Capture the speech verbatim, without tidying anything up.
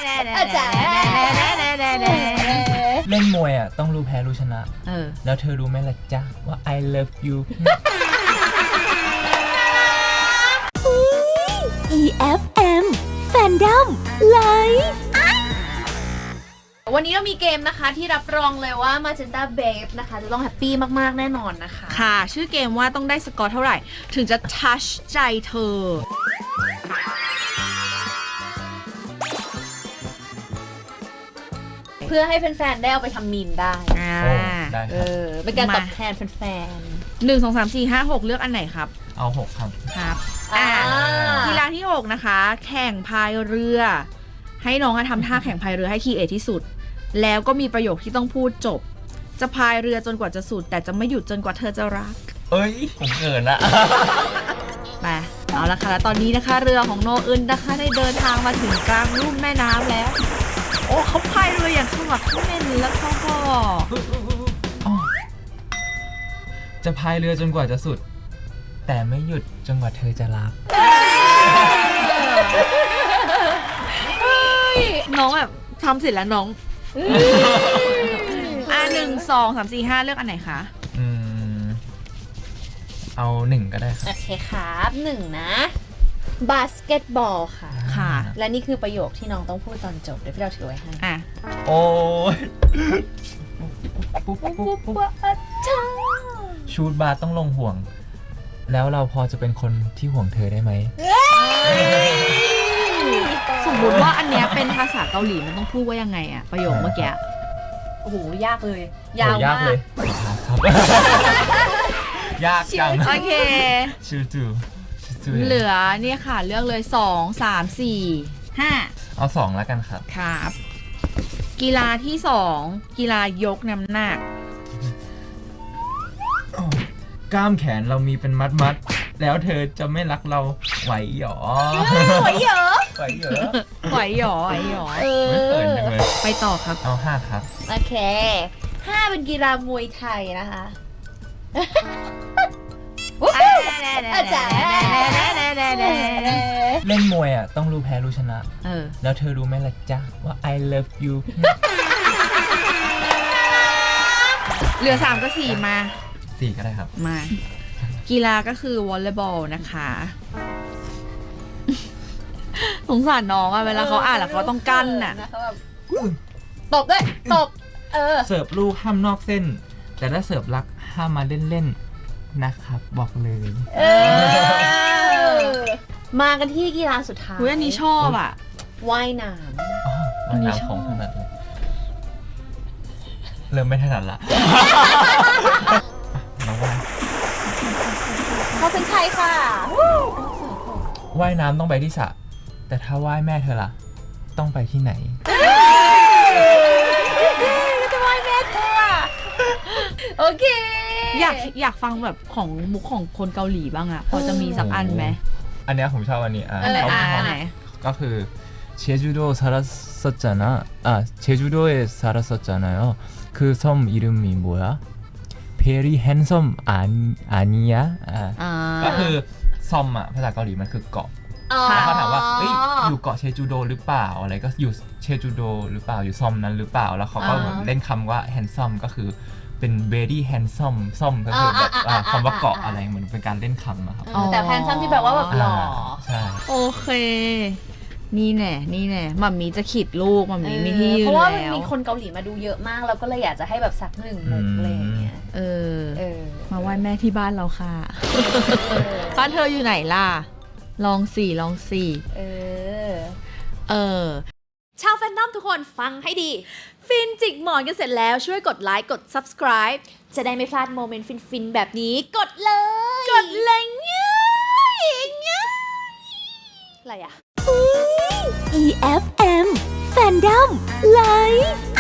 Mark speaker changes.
Speaker 1: เล่นมวยอ่ะต้องรู้แพ้รู้ชนะเออแล้วเธอรู้ไหมล่ะจ๊ะว่า I love you
Speaker 2: อี เอฟ เอ็ม Fandom Live
Speaker 3: วันนี้เรามีเกมนะคะที่รับรองเลยว่า Magenta Babe นะคะจะต้องแฮปปี้มากๆแน่นอนนะคะ
Speaker 4: ค่ะชื่อเกมว่าต้องได้สกอร์เท่าไหร่ถึงจะทัชใจเธอ
Speaker 3: เพื่อให้แฟนๆได้เอาไปทำมีมได้
Speaker 4: อ่า
Speaker 1: ได้ค
Speaker 3: เอ
Speaker 1: รับ
Speaker 3: อเป็นการตอบแทนแฟน
Speaker 4: หนึ่งสองสามสี่ห้าหกเลือกอันไหนครับ
Speaker 1: เอาหกครับ
Speaker 4: ครับ
Speaker 3: ๆอ่า
Speaker 4: กีฬาที่หกนะคะแข่งพายเรือ ให้น้องทำท่าแข่งพายเรือให้คีเอทที่สุดแล้วก็มีประโยคที่ต้องพูดจบจะพายเรือจนกว่าจะสุดแต่จะไม่หยุดจนกว่าเธอจะรัก
Speaker 1: เอ้ยผมเกินละ
Speaker 4: ไปเอาละค่ะแล้วตอนนี้นะคะเรือของโนอึนนะคะได้เดินทางมาถึงกลางลุ่มแม่น้ำแล้วโอ้เขาพายเรืออย่างขมักเขม้นแล้วเขาก็
Speaker 1: จะพายเรือจนกว่าจะสุดแต่ไม่หยุดจนกว่าเธอจะรัก
Speaker 4: น้องแบบทำเสร็จแล้วน้องอ่ะหนึ่งสองสามสี่ห้าเลือกอันไหนคะ
Speaker 1: อืมเอาหนึ่งก็ได้ครับ
Speaker 3: โอเคครับหนึ่งนะบาสเกตบอลค่ะ
Speaker 4: ค่ะ
Speaker 3: และนี่คือประโยคที่น้องต้องพูดตอนจบเดี๋ยวพี่เราถือไว้ให้
Speaker 4: อ่ะ
Speaker 1: โอ้ยชูดบาร์ต้องลงห่วงแล้วเราพอจะเป็นคนที่ห่วงเธอได้ไหม
Speaker 4: สมมติว่าอันเนี้ยเป็นภาษาเกาหลีมันต้องพูดว่ายังไงอะประโยคเมื่อกี้
Speaker 3: โอ้โหยากเลยยาวมาก
Speaker 1: เลยครับยากจัง
Speaker 4: โอเค
Speaker 1: ชูจู
Speaker 4: เหลือเนี่ยค่ะเลือกเลยสองสามสี่ห้า
Speaker 1: เอาสองแล้วกันครับ
Speaker 4: ครับกีฬาที่สองกีฬายกน้ำหนัก
Speaker 1: กล้ามแขนเรามีเป็นมัดมัดแล้วเธอจะไม่รักเราไหวหรอ
Speaker 3: ไหวเหรอ
Speaker 1: ไหวเหรอ
Speaker 4: ไหวหรอไหวหรอ
Speaker 1: ไม่เปิดเลย
Speaker 4: ไปต่อครับ
Speaker 1: เอาห้าครับ
Speaker 3: โอเคห้าเป็นกีฬามวยไทยนะคะ
Speaker 1: เล่นมวยอ่ะต้องรู้แพ้รู้ชนะเออแล้วเธอรู้ไหมล่ะจ๊ะว่า I love you
Speaker 4: เหลือสามก็สี่มา
Speaker 1: สี่ก็ได้ครับ
Speaker 4: มากีฬาก็คือวอลเลย์บอลนะคะสงสารน้องอะเวลาเขาอ่านแล้วเขาต้องกั้นน่ะ
Speaker 3: ตบด้วยตบเออ
Speaker 1: เสิร์ฟลูกห้ามนอกเส้นแต่ถ้าเสิร์ฟรักห้ามมาเล่นๆนะครับบอกเลย
Speaker 3: เออมากันที่กีฬาสุดท้าย
Speaker 4: อันนี้ชอบอ่ะ
Speaker 3: ว่ายน้
Speaker 1: ำว่ายน้ำของถนัดเลยเริ่มไม่ถนัดละน้องว่าย
Speaker 3: เขาเป็นใครค่ะ
Speaker 1: ว่ายน้ำต้องไปที่สระแต่ถ้าว่ายแม่เธอล่ะต้องไปที่ไหน
Speaker 3: จะว่ายแม่เธอโอเค
Speaker 4: อยากอยากฟังแบบของมุกของคนเกาหลีบ้างอะพอจะมีสักอันไหม
Speaker 1: อันนี้ผมชอบอันนี้อ่ะก็คือเชจูโดซาราสจานะอ่ะเชจูโดเอซาราสจานะ그 섬 이름이 뭐야? Very handsome 아니야? ก็คือซอมอ่ะภาษาเกาหลีมันคือเกาะแล้วเขาถามว่าเอ้ยอยู่เกาะเชจูโดหรือเปล่าอะไรก็อยู่เชจูโดหรือเปล่าอยู่ซอมนั้นหรือเปล่าแล้วเขาก็เล่นคำว่า handsome ก็คือเป็น very handsome ซ่อมก็คือแบบคำว่าเกาะอะไรเหมือนเป็นการเล่นคำอะครับ
Speaker 3: แต่ handsome ที่แบบว่าแบบหล่อ
Speaker 1: ใช่
Speaker 4: โอเคนี่แน่นี่แน่มัมมี่จะขีดลูกมัมมี่มีที่ยืนแล้ว
Speaker 3: เพราะว่ามันมีคนเกาหลีมาดูเยอะมากเราก็เลยอยากจะให้แบบสักหนึ่งมุกอะไรอย่างเงี้ย
Speaker 4: เออมาไหว้แม่ที่บ้านเราค่ะบ้านเธออยู่ไหนล่ะลองสี่ลองสี่
Speaker 3: เออ
Speaker 4: เออ
Speaker 3: ชาวแฟนดอมทุกคนฟังให้ดีฟินจิกหมอนกันเสร็จแล้วช่วยกดไลค์กด subscribe จะได้ไม่พลาดโมเมนต์ฟินๆแบบนี้กดเลยกดเลยง่ายง่ายอะไรอะ
Speaker 2: อี เอฟ เอ็ม Fandom Live